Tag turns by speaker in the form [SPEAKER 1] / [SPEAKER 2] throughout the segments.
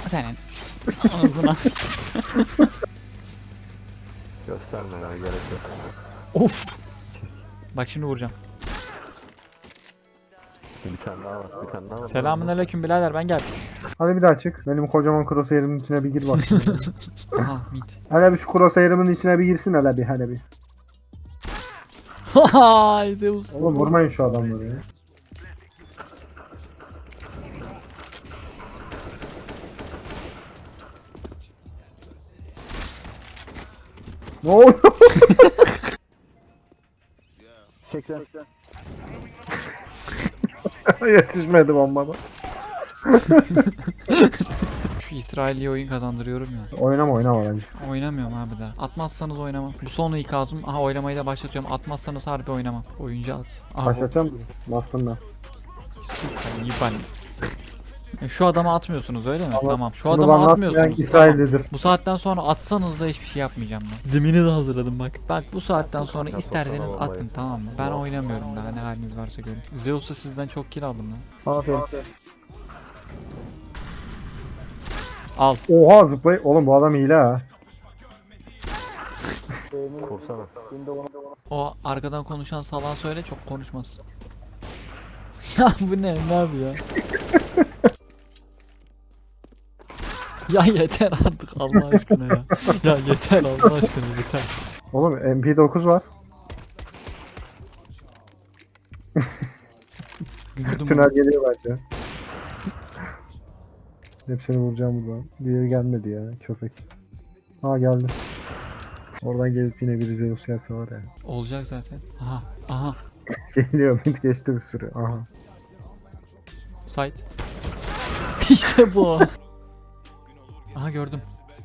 [SPEAKER 1] Senin ağzına.
[SPEAKER 2] Gösterme ya, gerek yok.
[SPEAKER 1] Of. Bak şimdi vuracağım.
[SPEAKER 2] Bir tane daha var, bir tane daha var.
[SPEAKER 1] Selamünaleyküm birader, ben geldim.
[SPEAKER 3] Hadi bir daha çık. Benim kocaman crosshair'imin içine bir gir bak.
[SPEAKER 1] Aha mid.
[SPEAKER 3] Hele bir şu crosshair'imin içine bir girsin hele bir.
[SPEAKER 1] Haha Zeus.
[SPEAKER 3] Oğlum vurmayın şu adamları ya. Ne oluyor?
[SPEAKER 2] 80.
[SPEAKER 3] Yetişmedi bombada.
[SPEAKER 1] Şu İsrail'i oyun kazandırıyorum ya.
[SPEAKER 3] Oynama bence.
[SPEAKER 1] Oynamıyorum abi daha. Atmazsanız oynamam. Bu son ikazım. Aha oylamayı da başlatıyorum. Atmazsanız harbi oynamam. Oyuncu at. Aha,
[SPEAKER 3] Başlatacağım mı? Bastım ben.
[SPEAKER 1] iyi ben. Şu adamı atmıyorsunuz öyle mi? Tamam. Şu
[SPEAKER 3] Bunu
[SPEAKER 1] adamı
[SPEAKER 3] bana
[SPEAKER 1] atmıyorsunuz.
[SPEAKER 3] atmayan İsraillidir.
[SPEAKER 1] Bu saatten sonra atsanız da hiçbir şey yapmayacağım ben. Zemini de hazırladım bak. Bak bu saatten sonra isterseniz atın, tamam mı? Ben oynamıyorum daha, ne haliniz varsa görün. Zeus'ta sizden çok kill aldım lan.
[SPEAKER 3] Aferin.
[SPEAKER 1] Al.
[SPEAKER 3] Oha zıplay. Oğlum bu adam hile ha.
[SPEAKER 2] Kursana.
[SPEAKER 1] O arkadan konuşan salağa söyle, çok konuşmasın. Ya bu ne abi ya? Ya yeter artık Allah aşkına ya. Ya yeter Allah aşkına yeter.
[SPEAKER 3] Oğlum MP9 var.
[SPEAKER 1] Gördün mü?
[SPEAKER 3] Tünel geliyor bence. Hepsini vuracağım buradan. Diğeri gelmedi ya köpek. Ha geldi. Oradan gelip yine biri Zeus gelse var ya.
[SPEAKER 1] Olacak zaten. Aha aha.
[SPEAKER 3] Geliyor mid geçti bir sürü. Aha.
[SPEAKER 1] Site. İşte bu. Aha gördüm.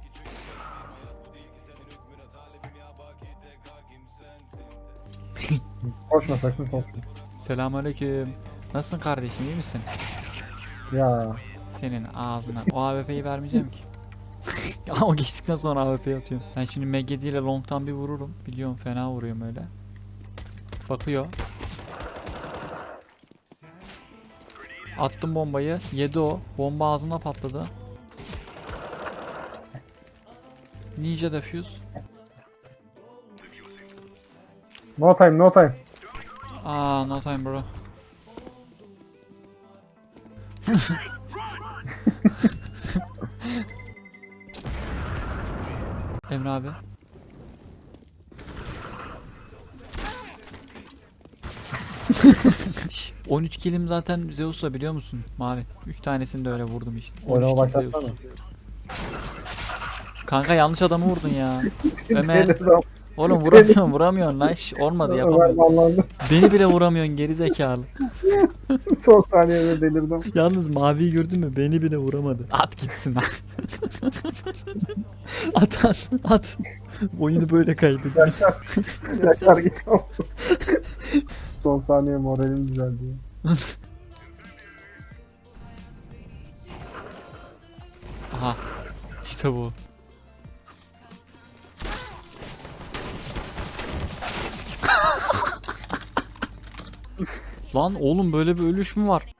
[SPEAKER 3] Koşma sakın koşma.
[SPEAKER 1] Selamünaleyküm. Nasılsın kardeşim, iyi misin?
[SPEAKER 3] Ya
[SPEAKER 1] Senin ağzına. O AWP'yi vermeyeceğim ki. Ya o geçtikten sonra AWP'yi atıyorum. Ben şimdi MG ile long'tan bir vururum. Biliyorum fena vuruyorum öyle. Bakıyor. Attım bombayı. Yedi o. Bomba ağzına patladı. Ninja defuse.
[SPEAKER 3] no time no time.
[SPEAKER 1] Aa no time bro. Emre abi. Şş, 13 killim zaten Zeus'la, biliyor musun? Mavi. 3 tanesini de öyle vurdum işte. 13
[SPEAKER 3] Oynama
[SPEAKER 1] kill
[SPEAKER 3] başlatsana.
[SPEAKER 1] Zeus. Kanka yanlış adamı vurdun ya. Ömer. Oğlum vuramıyorsun lan. Şş, olmadı yapamıyorum.
[SPEAKER 3] Vallahi
[SPEAKER 1] Beni bile vuramıyorsun geri zekalı.
[SPEAKER 3] son saniyede delirdim.
[SPEAKER 1] Yalnız maviyi gördün mü? Beni bile vuramadı. At gitsin lan. at. Oyunu böyle kaybediyor.
[SPEAKER 3] Yaşar git. Son saniye moralim düzeldi.
[SPEAKER 1] Aha. İşte bu. Lan oğlum böyle bir ölüş mü var?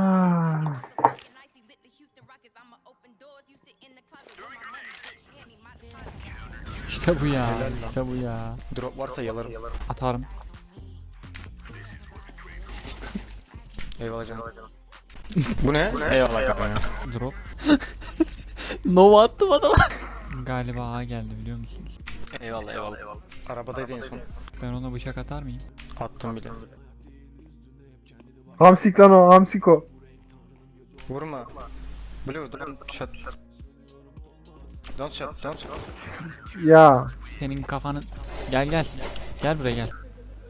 [SPEAKER 1] İşte bu ya. İşte bu ya.
[SPEAKER 4] Drop varsa yalarım.
[SPEAKER 1] Atarım.
[SPEAKER 4] Eyvallah canım. Bu ne? Eyvallah kanka.
[SPEAKER 1] Drop. Nova attım adama. Galiba A geldi, biliyor musunuz?
[SPEAKER 4] Eyvallah eyvallah. Arabadaydı en son.
[SPEAKER 1] Ben ona bıçak atar mıyım?
[SPEAKER 4] Attım bile.
[SPEAKER 3] Hamsik lan o hamsiko.
[SPEAKER 4] Vurma. Blue don't shot. Don't shot, don't shot.
[SPEAKER 3] Ya
[SPEAKER 1] Senin kafanın... Gel. Gel buraya gel.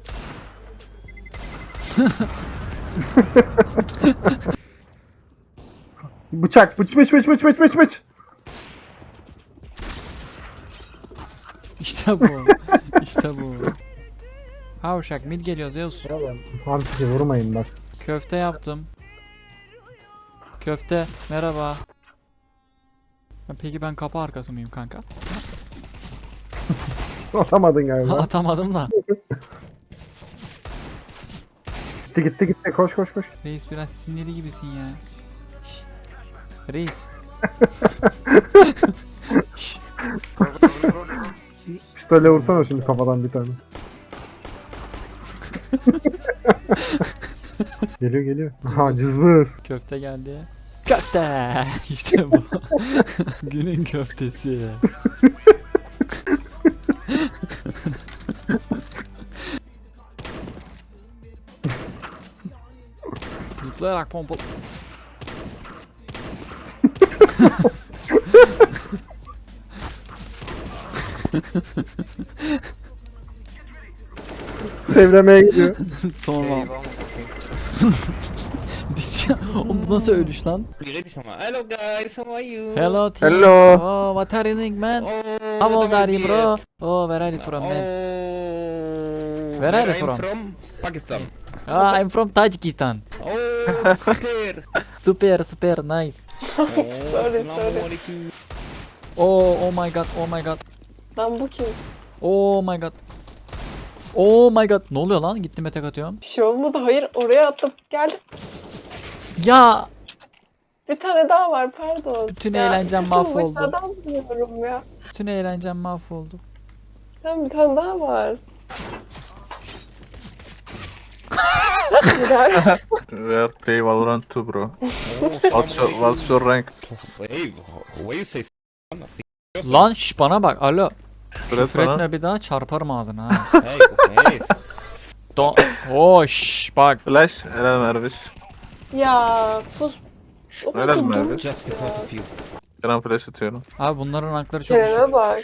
[SPEAKER 3] bıçak bıç.
[SPEAKER 1] İşte bu. İşte bu. Havşak mid geliyor Zeus.
[SPEAKER 3] Hamsiki vurmayın bak.
[SPEAKER 1] Köfte yaptım. Köfte merhaba. Peki ben kapı arkası mıyım kanka?
[SPEAKER 3] Atamadın galiba.
[SPEAKER 1] Atamadım da.
[SPEAKER 3] gitti koş.
[SPEAKER 1] Reis biraz sinirli gibisin ya. Şş. Reis
[SPEAKER 3] Pistolle vursana şimdi kafadan bir tane. Geliyor geliyor. Ha cızbız.
[SPEAKER 1] Köfte geldi. Köfte! İşte bu. Günün köftesi. Zıplayarak pompa...
[SPEAKER 3] Sevremeye gidiyor.
[SPEAKER 1] Sonra...
[SPEAKER 4] Eyvallah.
[SPEAKER 1] Dişçi... Oğlum bu nasıl ölüş lan?
[SPEAKER 5] Hello guys, how are you?
[SPEAKER 1] Hello team.
[SPEAKER 3] Hello.
[SPEAKER 1] Oh, what are you doing man?
[SPEAKER 5] Oh,
[SPEAKER 1] How old
[SPEAKER 5] what
[SPEAKER 1] are you
[SPEAKER 5] about
[SPEAKER 1] bro?
[SPEAKER 5] it?
[SPEAKER 1] Oh, where are you from man?
[SPEAKER 5] Oh,
[SPEAKER 1] Where are you
[SPEAKER 5] I'm
[SPEAKER 1] from?
[SPEAKER 5] from Pakistan.
[SPEAKER 1] Ah, I'm from Tajikistan.
[SPEAKER 5] Oh, super.
[SPEAKER 1] Super, super nice.
[SPEAKER 5] Oh, Assalamualaikum.
[SPEAKER 1] Oh, oh my god, oh my god.
[SPEAKER 6] Lan bu kim?
[SPEAKER 1] Oh my god. Oh my god. Ne oluyor lan? Gittim tek atıyorum.
[SPEAKER 6] Bir şey olmadı. Hayır oraya attım. Geldi.
[SPEAKER 1] Ya
[SPEAKER 6] Bir tane daha var pardon.
[SPEAKER 1] bütün
[SPEAKER 6] Ya,
[SPEAKER 1] eğlencem
[SPEAKER 6] kızım,
[SPEAKER 1] mahvoldu.
[SPEAKER 6] Dışarıdan buluyorum ya.
[SPEAKER 1] Bütün eğlencem mahvoldu.
[SPEAKER 6] Tamam bir tane daha var. Girer.
[SPEAKER 7] We are play Valorant 2, bro.
[SPEAKER 5] Oh,
[SPEAKER 7] What's your rank?
[SPEAKER 5] Hey, why you say
[SPEAKER 1] Lan şş bana bak. Alo.
[SPEAKER 7] Fred
[SPEAKER 1] Küfür
[SPEAKER 7] bana.
[SPEAKER 1] etme bir daha çarparım ağzına ha.
[SPEAKER 5] hey, hey.
[SPEAKER 1] Oh şş bak.
[SPEAKER 7] Flash, helal Merviş.
[SPEAKER 6] Ya sus. O
[SPEAKER 7] Helal
[SPEAKER 6] kadar
[SPEAKER 7] mi
[SPEAKER 6] dur.
[SPEAKER 7] abi?
[SPEAKER 5] Just because of you.
[SPEAKER 7] Kerem flash atıyorum.
[SPEAKER 1] Abi bunların rankları çok
[SPEAKER 6] Kerem'e
[SPEAKER 1] düşük.
[SPEAKER 6] bak.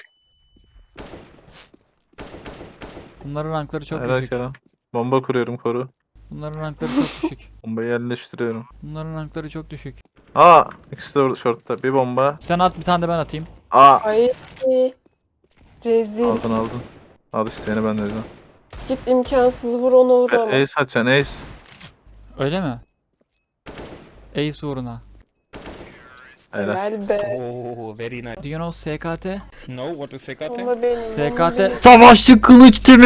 [SPEAKER 1] Bunların rankları çok
[SPEAKER 7] Helal
[SPEAKER 1] düşük.
[SPEAKER 7] Kerem. Bomba kuruyorum, koru.
[SPEAKER 1] Bunların rankları çok düşük.
[SPEAKER 7] Bombayı yerleştiriyorum.
[SPEAKER 1] Bunların rankları çok düşük.
[SPEAKER 7] Aa, ikisi de orada shortta. Bir bomba.
[SPEAKER 1] Sen at bir tane de ben atayım.
[SPEAKER 7] Aa,
[SPEAKER 6] Ay. Rezil.
[SPEAKER 7] aldın. Al işte yeni ben dedim.
[SPEAKER 6] Git imkansız vur onu vur ama.
[SPEAKER 7] Ace atacaksın, ace.
[SPEAKER 1] Öyle mi? Ace uğruna.
[SPEAKER 7] Helal.
[SPEAKER 6] Helal be.
[SPEAKER 5] Oh, very nice.
[SPEAKER 1] Do you know SKT?
[SPEAKER 5] No, what is SKT?
[SPEAKER 6] Ama benim.
[SPEAKER 1] SKT Savaşçı Kılıç Timi.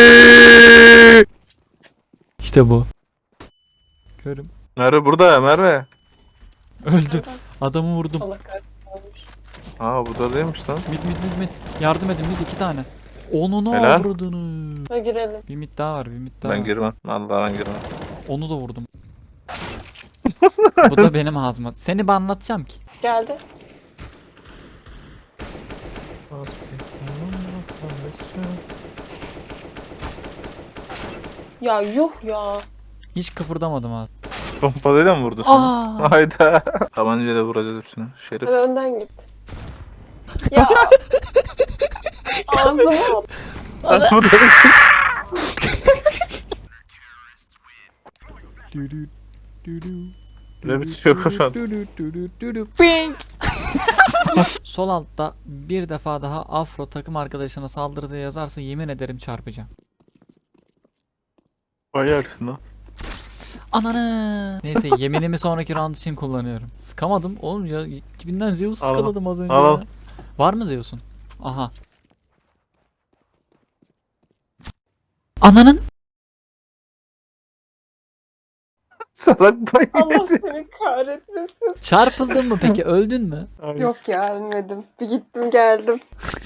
[SPEAKER 1] İşte bu. Görüm.
[SPEAKER 7] Merve burada, Merve.
[SPEAKER 1] Öldü. Adamı vurdum.
[SPEAKER 6] Allah kahretsin.
[SPEAKER 7] Aa, burada değilmiş lan.
[SPEAKER 1] Mid. Yardım edin mid 2 tane. Onu ne
[SPEAKER 7] Helal.
[SPEAKER 1] avradını.
[SPEAKER 6] Ha girelim.
[SPEAKER 1] Bir mid daha var, bir mid daha
[SPEAKER 7] Ben
[SPEAKER 1] var.
[SPEAKER 7] girmem. Vallahi ben girmem.
[SPEAKER 1] Onu da vurdum. Bu da benim ağzıma. Seni ben anlatacağım ki.
[SPEAKER 6] Geldi. Ya yuh ya.
[SPEAKER 1] Hiç kıpırdamadım abi.
[SPEAKER 7] Pompalıyla mı vurdu seni?
[SPEAKER 1] Aa!
[SPEAKER 7] Hayda. Tabancayla vuracağız hepsini. Şerif.
[SPEAKER 6] Hadi önden git. Ya. Ağzıma at.
[SPEAKER 7] Nasıl bu da?
[SPEAKER 1] Dürü, dürü,
[SPEAKER 7] Ne bir şey yok şu an.
[SPEAKER 1] Ping! Sol altta bir defa daha Afro takım arkadaşına saldırdığı yazarsa yemin ederim çarpacağım.
[SPEAKER 7] Bayaksın lan.
[SPEAKER 1] Ananı. Neyse yeminimi sonraki round için kullanıyorum. Sıkamadım oğlum ya. Kibinden Zeus
[SPEAKER 7] Al.
[SPEAKER 1] sıkaladım az önce
[SPEAKER 7] Al.
[SPEAKER 1] ya. Var mı Zeus'un? Aha. Ananın.
[SPEAKER 7] Salak bayağı.
[SPEAKER 6] Allah seni kahretmesin.
[SPEAKER 1] Çarpıldın mı peki? Öldün mü?
[SPEAKER 6] Yok ya ölmedim. Bir gittim geldim.